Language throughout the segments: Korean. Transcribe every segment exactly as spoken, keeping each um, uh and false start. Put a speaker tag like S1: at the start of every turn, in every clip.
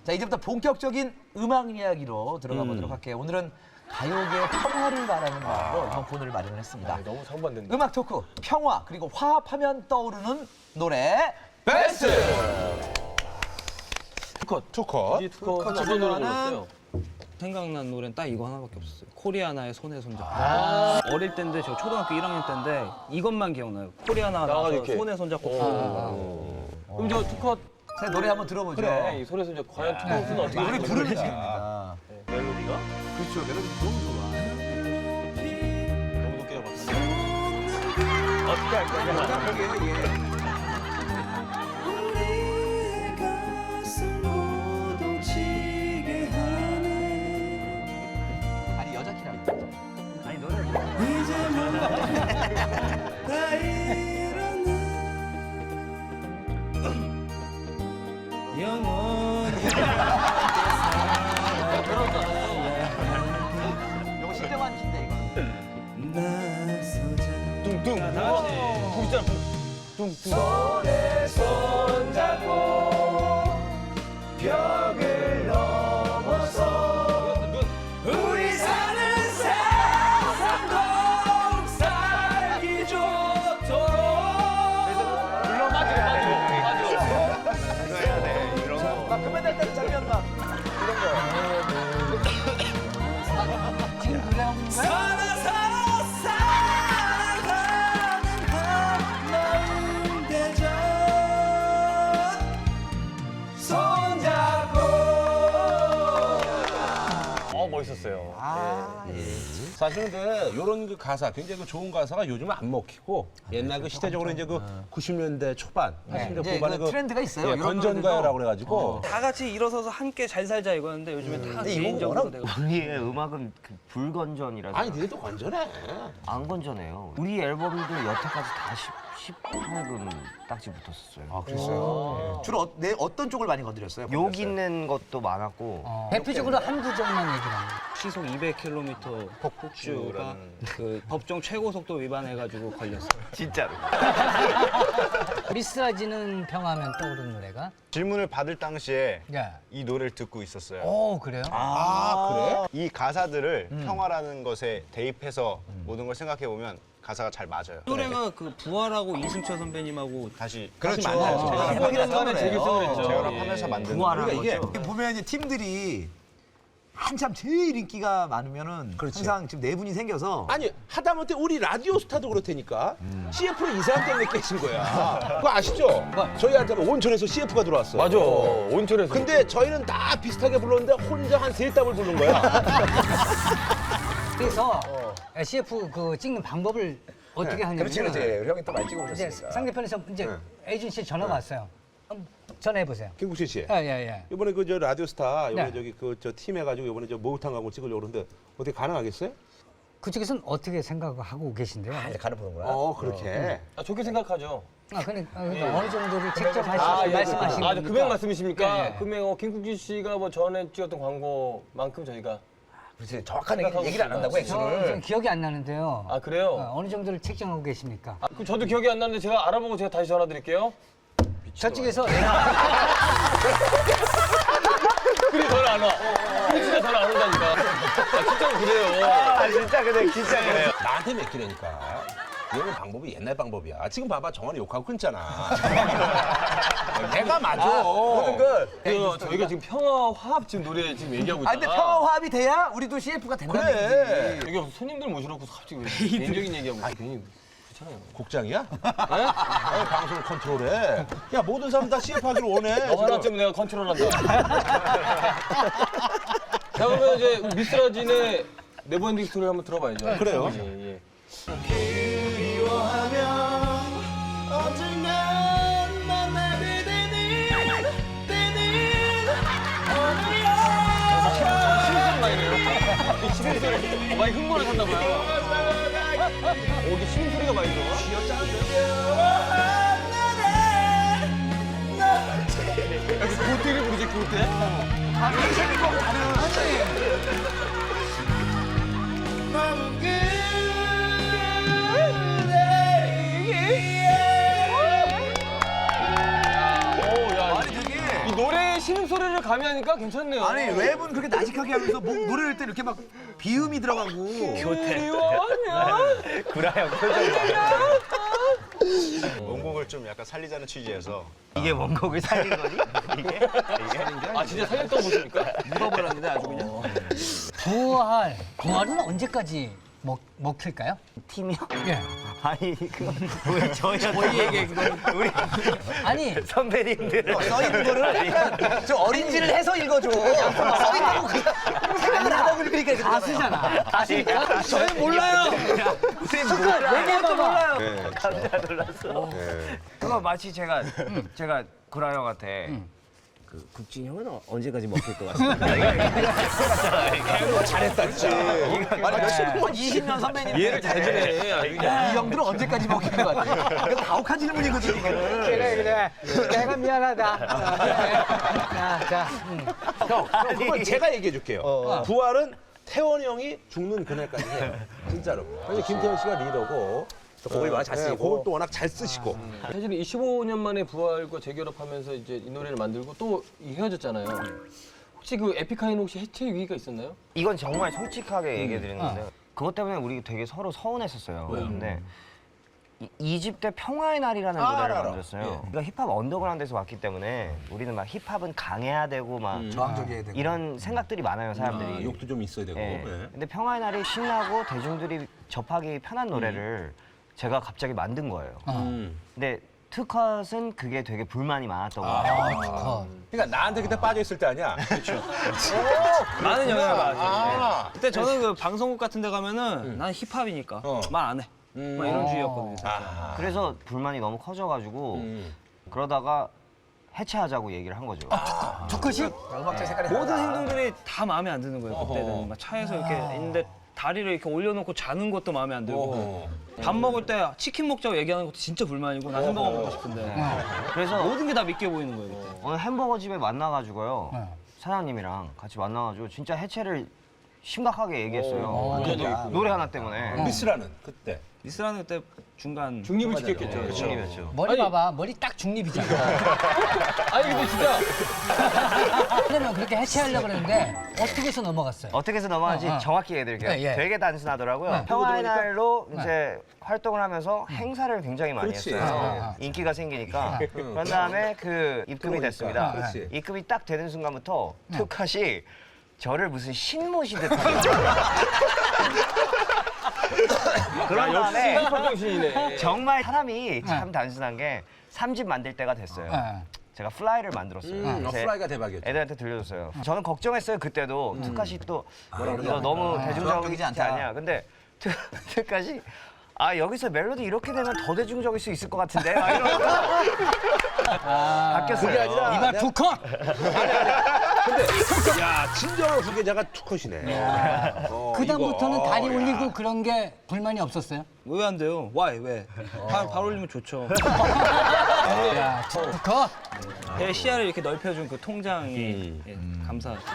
S1: 자, 이제부터 본격적인 음악 이야기로 들어가 보도록 할게요. 오늘은 가요계 평화를 말하는 마음으로 이번 코너를 마련을 했습니다.
S2: 아, 너무 상반된다.
S1: 음악 토크, 평화, 그리고 화합하면 떠오르는 노래 베스트!
S2: 투컷.
S3: 투컷.
S2: 이 투컷 어떤 노래 골랐어요?
S4: 생각난 노래는 딱 이거 하나밖에 없었어요. 코리아나의 손에 손잡고. 아 어릴 때인데 저 초등학교 일 학년 때인데 이것만 기억나요. 코리아나
S2: 나가서
S4: 나와서
S2: 이렇게.
S4: 손에 손잡고 부르는
S2: 그럼 저 투컷
S1: 자, 노래 한번 들어보죠.
S2: 그래. 이 소리 손잡 과연 투컷은 어떻게
S1: 우리
S2: 부르는지.
S1: 부르는 시간입니다.
S2: 멜로디가?
S1: 그렇죠, 멜로디 너무 좋아.
S2: 너무 높게 잡았어. 어떻게 할 거야?
S1: 자, 거기에 예. 아니 여자 키라고. 아니 노래. 이거 실력한 키인데 이거.
S2: 뚱뚱. 다 같이. 뚱 있잖아. 뚱뚱.
S1: 손에 손잡고 벽을 넘어서 우리 사는 세상 살기 좋도록.
S2: 물론 빠지고 빠지고 빠지고.
S3: 이거 해야 돼. 이런 거.
S1: 막 금메달 때는 장면 막 이런 거. 지금 노래하고 있는 거야? 살아 살아 살아가는 한마음 대전 손잡고.
S2: 어 멋있었어요.
S1: 아, 예.
S3: 사실은 근데 이런 그 가사, 굉장히 그 좋은 가사가 요즘은 안 먹히고 옛날 그 시대적으로 이제 그 구십 년대 초반, 팔십 년대
S1: 이제
S3: 후반에
S1: 그 트렌드가 있어요.
S3: 예,
S1: 이런
S3: 건전가요라고 그래가지고
S4: 다 같이 일어서서 함께 잘 살자 이거였는데 요즘에 다 개인적으로 되고.
S5: 우리의 음악은 그 불건전이라서
S3: 아니 니네도 건전해.
S5: 안 건전해요. 우리 앨범도 여태까지 다 십팔 금 딱지 붙었었어요.
S1: 아, 그랬어요? 주로 어, 내 어떤 쪽을 많이 건드렸어요?
S5: 욕 있는 것도 많았고
S6: 대표적으로 한 구절만 얘기하면
S4: 시속 이백 킬로미터 폭주가 그 법정 최고 속도 위반해가지고 걸렸어요.
S5: 진짜로.
S6: 미스라지는 평화하면 떠오르는 노래가
S7: 질문을 받을 당시에
S6: 야.
S7: 이 노래를 듣고 있었어요.
S6: 오 그래요?
S3: 아, 그래?
S7: 이 가사들을 평화라는 것에 대입해서 모든 걸 생각해 보면 가사가 잘 맞아요.
S4: 노래가 그 부활하고 이승철 선배님하고
S7: 다시
S3: 그렇죠.
S7: 다시 만나요.
S1: 아,
S7: 제가
S1: 대박이라는
S2: 처음에
S1: 노래예요.
S2: 재밌었죠.
S7: 재결합하면서 만든
S5: 부활한
S7: 노래.
S1: 그러니까 이게
S5: 거죠.
S1: 보면 이제 팀들이 한참 제일 인기가 많으면은 항상 지금 네 분이 생겨서
S3: 아니 하다못해 우리 라디오 스타도 그렇다니까 씨에프로 이 사람 때문에 깨진 거야. 그거 아시죠? 저희한테는 온천에서 씨에프가 들어왔어.
S2: 맞아. 온천에서.
S3: 근데 저희는 다 비슷하게 불렀는데 혼자 한 세 답을 부른 거야.
S6: 그래서 씨에프 그 찍는 방법을 어떻게 하냐면
S1: 그렇지 그렇지 형이 또 많이
S6: 이제
S1: 찍어보셨으니까.
S6: 상대편에서 이제 에이전시 전화가 왔어요. 한번 전화해 보세요.
S3: 김국진 씨.
S6: 예예예.
S3: 이번에 그 저 라디오스타 이번에
S6: 네.
S3: 저기 그 저 팀 해가지고 이번에 저 목욕탕 가고 찍으려고 그러는데 어떻게 가능하겠어요?
S6: 그쪽에서는 어떻게 생각하고 계신데요?
S1: 아, 이제 가는 보는구나.
S3: 어 그렇게.
S2: 아, 좋게 생각하죠.
S6: 아, 그러니까, 그러니까 어느 정도를 직접 하시,
S2: 아, 예,
S6: 말씀하시는
S2: 아, 저
S6: 거니까.
S2: 금액 말씀이십니까?
S6: 예, 예.
S2: 금액 어, 김국진 씨가 뭐 전에 찍었던 광고만큼 저희가
S1: 그렇지 정확한 얘기, 얘기를 안 한다고
S6: 저 지금
S1: 액수를.
S6: 기억이 안 나는데요.
S2: 아 그래요?
S6: 어, 어느 정도를 책정하고 계십니까?
S2: 아, 그 저도 기억이 안 나는데 제가 알아보고 제가 다시 전화 드릴게요.
S6: 저쪽에서
S2: 그래 전화 안 와. 그래 진짜 전화 안 온다니까. 아, 진짜로 그래요.
S7: 아 진짜 그래 진짜 그래요.
S3: 나한테 맡기라니까. 이거는 방법이 옛날 방법이야. 지금 봐봐 정환이 욕하고 끊잖아. 내가 맞아.
S1: 모든 걸.
S2: 그, 저희가 지금 평화 화합 지금 노래 지금 얘기하고 있잖아.
S1: 아 근데 평화 화합이 돼야 우리도 씨에프가 된다는
S3: 그래.
S1: 얘기지.
S2: 여기 손님들 모셔놓고 갑자기 왜 개인적인 얘기하고 있어. 괜히 그렇잖아요.
S3: 국장이야? 아니, 방송을 컨트롤해. 야 모든 사람 다 씨에프 하기를 원해.
S2: 너 하나 때문에 내가 컨트롤한다. 자 그러면 이제 미스라진의 네버엔딩 스토리 한번 들어봐야죠.
S3: 그래요.
S2: 예, 예. 시민 소리 많이 흥분을 샀나 봐요. 오, 이게 시민 소리가 많이 들어. 약간 그때를 부르지 그때. 오, 야, 이 노래의 신음소리 목소리를 가미하니까 괜찮네요.
S1: 아니 랩은 그렇게 나직하게 하면서 목 노래할 때 이렇게 막 비음이 들어가고.
S4: 교태.
S5: 구라형 표정.
S7: 원곡을 좀 약간 살리자는 취지에서
S5: 이게 원곡을 살린 거니? 이게?
S2: 아 진짜 살렸던 모습입니까?
S4: 묻어버렸는데 아주 그냥.
S6: 부활. 부활은 언제까지 먹, 먹힐까요?
S5: 팀이요?
S6: 예.
S5: 아니 그건 왜 저희한테 그건 우리
S6: 아니,
S5: 선배님들
S1: 써 있는 거를 약간 좀 어린지를 해서 읽어줘. 써 있다고 그냥 생각을 안 하고 읽으니까 이렇게
S6: 가수잖아. 가수니까.
S1: 저희 몰라요.
S6: 얘기해도 몰라요.
S5: 깜짝 놀랐어. 그거 마치 제가 제가 구라 형한테 그 국진 형은 어- 언제까지 먹힐 것 같습니다.
S3: 잘했다 진짜. 아니 몇십 번
S1: 이십 년 선배님.
S2: 이해를 잘해주네. 아주 그냥.
S1: 이 형들은 언제까지 먹힐 것 같아? 이거 가혹한 질문이거든 이거는.
S6: 그래, 그래. 내가 미안하다. 자, 자. 음.
S3: 형, 형 그건 제가 얘기해 줄게요. 부활은 태원이 형이 죽는 그날까지 해요. 진짜로. 사실 김태현 씨가 리더고 또 곡을 워낙 잘 쓰시고 곡을 또 워낙 잘 쓰시고.
S2: 사실은 이십오 년 만에 부활과 재결합하면서 이제 이 노래를 만들고 또 헤어졌잖아요. 혹시 그 에픽하이는 혹시 해체 위기가 있었나요?
S5: 이건 정말 솔직하게 얘기해 드리는데 그것 때문에 우리 되게 서로 서운했었어요. 근데 이 집 때 평화의 날이라는
S3: 아,
S5: 노래를
S3: 알아, 알아.
S5: 만들었어요. 우리가 힙합 언더그라운드에서 왔기 때문에 우리는 막 힙합은 강해야 되고 막
S1: 저항적이어야 되고.
S5: 이런 생각들이 많아요, 사람들이.
S3: 아, 욕도 좀 있어야 되고.
S5: 예.
S3: 예.
S5: 근데 평화의 날이 신나고 대중들이 접하기 편한 노래를 제가 갑자기 만든 거예요.
S3: 음.
S5: 근데 투컷은 그게 되게 불만이 많았던 거예요.
S6: 컷.
S3: 그러니까 나한테 그때 빠져 있을 때 아니야. 그렇죠.
S4: 많은 영향을 받았죠.
S3: 아.
S4: 그때 저는 그 방송국 같은 데 가면은 난 힙합이니까
S3: 어.
S4: 말 안 해. 막 이런 주의였거든요. 사실.
S3: 아.
S5: 그래서 불만이 너무 커져가지고
S3: 음.
S5: 그러다가 해체하자고 얘기를 한 거죠.
S6: 투컷이?
S1: 음악적 색깔이
S4: 모든 행동들이 다 마음에 안 드는 거예요. 그때는 막 차에서 이렇게 있는데 다리를 이렇게 올려놓고 자는 것도 마음에 안 들고
S3: 어.
S4: 밥 먹을 때 치킨 먹자고 얘기하는 것도 진짜 불만이고 난 햄버거 먹고 싶은데
S5: 그래서
S4: 모든 게 다 믿겨 보이는 거예요. 그때.
S5: 어느 햄버거 집에 만나가지고요.
S6: 네.
S5: 사장님이랑 같이 만나가지고 진짜 해체를 심각하게 얘기했어요.
S3: 오,
S5: 노래 하나 때문에.
S3: 미스라는 그때.
S4: 미스라는 그때 중간
S2: 중립을 지켰겠죠.
S5: 중립이었죠.
S6: 머리
S2: 아니.
S6: 봐봐. 머리 딱 중립이잖아.
S2: 아니 근데 진짜
S6: 그러면 그렇게 해체하려고 그랬는데 어떻게 해서 넘어갔어요?
S5: 어떻게 해서 넘어가는지
S6: 어, 어.
S5: 정확히 얘기해드릴게요.
S6: 네, 예.
S5: 되게 단순하더라고요.
S6: 네.
S5: 평화의 날로 이제 활동을 하면서 행사를 굉장히 많이
S3: 그렇지.
S5: 했어요.
S6: 아, 아.
S5: 인기가 생기니까. 그런 다음에 그 입금이
S3: 그러니까.
S5: 됐습니다.
S3: 그렇지.
S5: 입금이 딱 되는 순간부터 투컷이 저를 무슨 신모시듯 그런 다음에
S2: 힙합 정신이네.
S5: 정말 사람이 참 단순한 게 삼 집 만들 때가 됐어요.
S6: 네.
S5: 제가 플라이를 만들었어요.
S3: 음, 어,
S5: 그래서
S3: 플라이가 대박이었죠.
S5: 애들한테 들려줬어요. 저는 걱정했어요 그때도 투카시 또 이거 너무
S1: 저항적이지
S5: 대중적이지
S1: 않다.
S5: 않냐. 근데 투- 투카시 아 여기서 멜로디 이렇게 되면 더 대중적일 수 있을 것 같은데 막 이러고 바뀌었어요.
S3: 그게 아니라
S6: 이발 두 컷!
S3: 근데 야 진정한 후계자가 투컷이네. 어,
S6: 그다음부터는
S3: 이거.
S6: 다리
S3: 야.
S6: 올리고 그런 게 불만이 없었어요?
S4: 왜 안 돼요? Why? 왜? 발, 발 올리면 좋죠.
S6: 야, 두 컷!
S4: 제 시야를 이렇게 넓혀준 그 통장이 예, 감사합니다.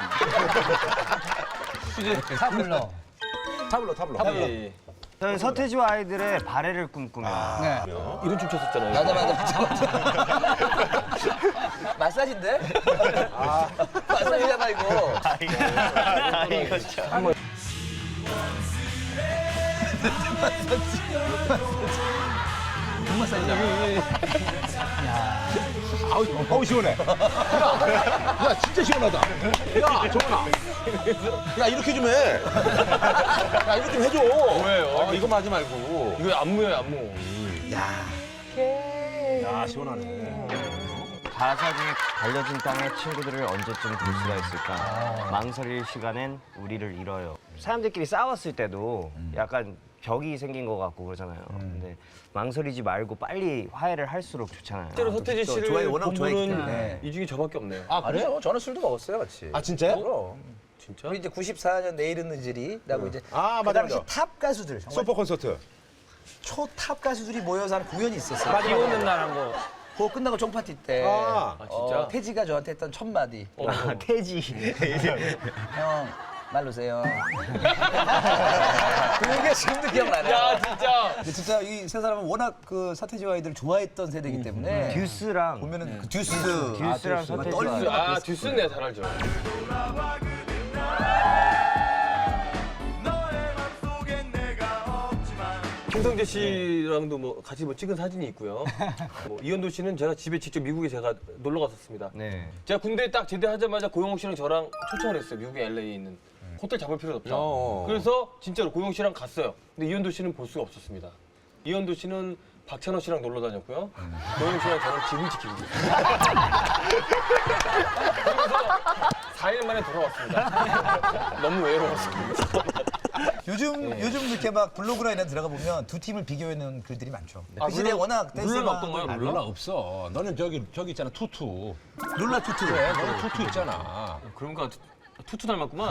S6: 타블로.
S3: 타블로 타블로.
S2: 예.
S5: 저는 서태지와 아이들의 발해를 꿈꾸며
S6: 네.
S2: 이런 춤 췄었잖아요.
S1: 맞아 맞아 맞아. 마사지인데? 마사지잖아 이거.
S5: 아, 이거 참.
S3: 아우, 아우 시원해. 야, 야 진짜 시원하다. 야 정원아. 야 이렇게 좀 해. 야 이렇게 좀 해줘.
S2: 왜요?
S3: 어, 이거 하지 말고.
S2: 이거 안무예요 안무.
S3: 야 시원하네.
S5: 가사 중에 갈려진 땅에 친구들을 언제쯤 볼 수가 있을까? 망설일 시간엔 우리를 잃어요. 사람들끼리 싸웠을 때도 약간 벽이 생긴 것 같고 그러잖아요. 근데 망설이지 말고 빨리 화해를 할수록 좋잖아요.
S2: 실제로 서태지
S1: 또
S2: 씨를
S1: 좋아해, 워낙
S2: 본
S1: 좋아했기
S2: 분은
S1: 때문에.
S2: 이 중에 저밖에 없네요.
S1: 아 그래요? 저는 술도 먹었어요 같이.
S3: 아 진짜요?
S1: 그럼.
S2: 진짜?
S1: 우리 이제 구십사 년 내일은 늦으리라고 이제
S3: 아,
S1: 그
S3: 맞아,
S1: 당시
S3: 맞아.
S1: 탑 가수들 정말
S3: 슈퍼 콘서트.
S1: 초탑 가수들이 모여서 하는 공연이 있었어요.
S4: 비 오는 날 한 거.
S1: 그거 끝나고 종파티 때
S3: 아,
S2: 아 진짜?
S1: 어, 태지가 저한테 했던 첫 마디.
S5: 아, 태지.
S1: 형 말 놓으세요. 그게 지금도 기억나네.
S2: 야 진짜.
S1: 근데 진짜 이 세 사람은 워낙 그 서태지와 아이들을 좋아했던 세대이기 때문에
S5: 듀스랑
S1: 보면은 그 듀스,
S5: 듀스랑 서태지와
S2: 듀스, 아 듀스는 내가 잘 알죠. 김성재 씨랑도 뭐 같이 뭐 찍은 사진이 있고요. 뭐 이현도 씨는 제가 집에 직접 미국에 제가 놀러 갔었습니다.
S5: 네.
S2: 제가 군대 딱 제대하자마자 고영욱 씨랑 저랑 초청을 했어요. 미국의 엘에이에 있는 호텔 잡을 필요도 없다.
S3: 어.
S2: 그래서 진짜로 고영욱 씨랑 갔어요. 근데 이현도 씨는 볼 수가 없었습니다. 이현도 씨는 박찬호 씨랑 놀러 다녔고요. 고영욱 씨랑 저는 집을 지키고 있어요. 그래서 사 일 만에 돌아왔습니다. 너무 외로웠습니다.
S1: 요즘 요즘 이렇게 막 블로그나 이런 데 들어가 보면 두 팀을 비교해놓은 글들이 많죠.
S2: 아,
S1: 그 시대에
S2: 룰라-
S1: 워낙
S2: 룰라는
S1: 댄스가
S2: 어떤가요?
S3: 아,
S2: 룰라?
S3: 룰라 없어. 너는 저기 저기 있잖아 투투.
S1: 룰라 투투.
S3: 그래, 너는 투투 있잖아.
S2: 그런가 투투 닮았구만.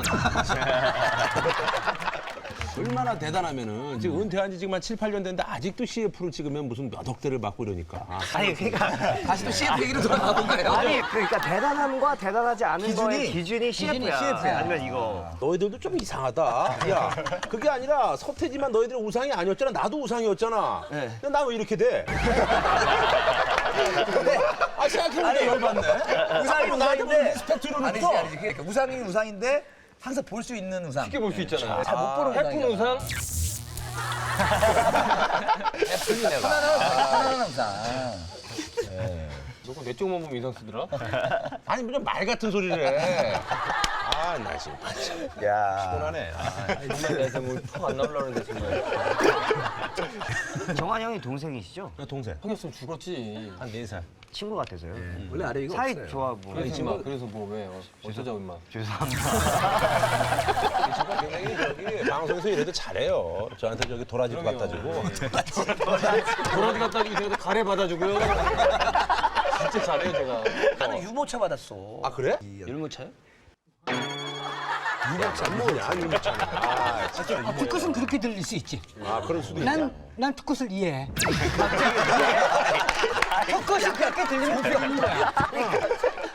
S3: 얼마나 대단하면은 지금 은퇴한 지 지금 한 칠, 팔 년 됐는데 아직도 씨에프를 찍으면 무슨 몇 억대를 받고 이러니까.
S5: 아니 그러니까
S1: 다시 또 씨에프 얘기로 돌아가 볼까요?
S5: 아니 그러니까 대단함과 대단하지 않은
S1: 기준이-
S5: 거의 기준이 씨에프야.
S1: 씨에프야.
S5: 아니면 이거.
S3: 너희들도 좀 이상하다. 야, 그게 아니라 서태지만 너희들의 우상이 아니었잖아. 나도 우상이었잖아. 근데 나 왜 이렇게 돼? 아, 생각해보니까 열받네.
S1: 우상이
S3: 나한테 무슨
S1: 우상인데
S3: 리스펙트를
S1: 아니지
S3: 줬어?
S1: 아니지. 그러니까 우상이 우상인데 항상 볼 수 있는 우상.
S2: 쉽게 볼 수 있잖아요.
S1: 잘 못 보는
S2: 해픈
S1: 우상이잖아.
S2: 우상,
S1: 편안한 우상.
S2: 너가 내 쪽만 보면 이상 쓰더라?
S3: 아니, 무슨 말 같은 소리를 해. 아, 나 지금. 야. 피곤하네. 아.
S2: 정말 내가 뭐턱안 나오려는데 정말.
S5: 정한 형이 동생이시죠?
S3: 나 동생.
S2: 형이었으면 죽었지.
S3: 한 네 살.
S5: 친구 같아서요.
S1: 원래 아래 이거
S5: 사이
S1: 없어요.
S5: 좋아 보여.
S2: 그래서 뭐, 그래서 뭐 왜? 어, 어쩌자고 임마.
S5: 죄송합니다.
S3: 제가 굉장히 저기 방송에서 이래도 잘해요. 저한테 저기 도라지도
S2: 그럼요.
S3: 갖다 주고.
S2: 도라지 갖다 주고 제가 가래 받아주고요. 진짜 잘해요 제가.
S1: 나는 유모차 받았어.
S3: 아, 그래?
S2: 율무차요?
S3: 유모차 뭐냐, 유모차는. 아, 진짜.
S6: 아, 듣것은 그렇게 들릴 수 있지.
S3: 아, 그럴 수도 있다.
S6: 난, 난 듣것을 이해해. 듣것이 그렇게 들리면 되는 거야.